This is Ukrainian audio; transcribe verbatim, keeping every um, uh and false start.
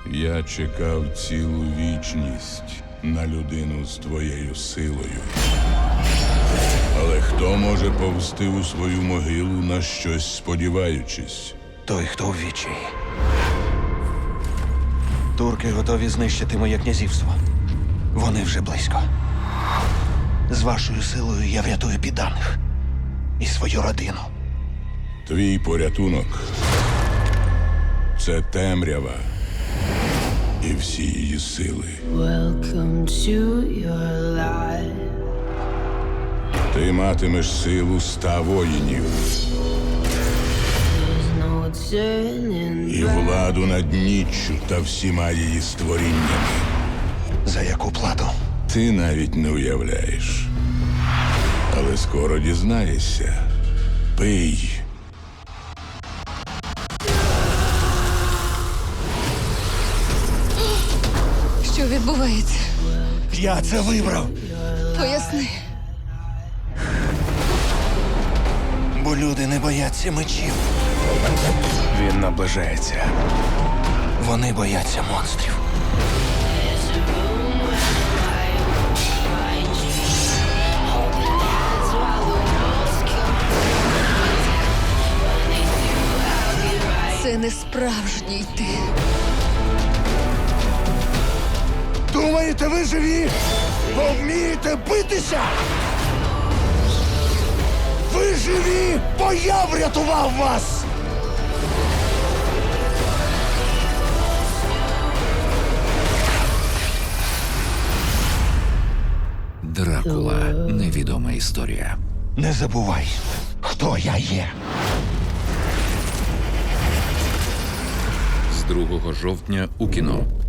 Я чекав цілу вічність на людину з твоєю силою. Але хто може повзти у свою могилу, на щось сподіваючись? Той, хто в відчаї. Турки готові знищити моє князівство. Вони вже близько. З вашою силою я врятую підданих і свою родину. Твій порятунок – це темрява і всі її сили. Welcome to your life. Ти матимеш силу ста воїнів There's no turning і back. владу над ніччю та всіма її створіннями. За яку плату? Ти навіть не уявляєш. Але скоро дізнаєшся. Пий. Що відбувається? Я це вибрав, Поясни. бо люди не бояться мечів. Він наближається. Вони бояться монстрів. Це не справжній ти. Думаєте, ви живі? Бо вмієте битися? Ви живі, бо я врятував вас! Дракула. Невідома історія. Не забувай, хто я є. З другого жовтня у кіно.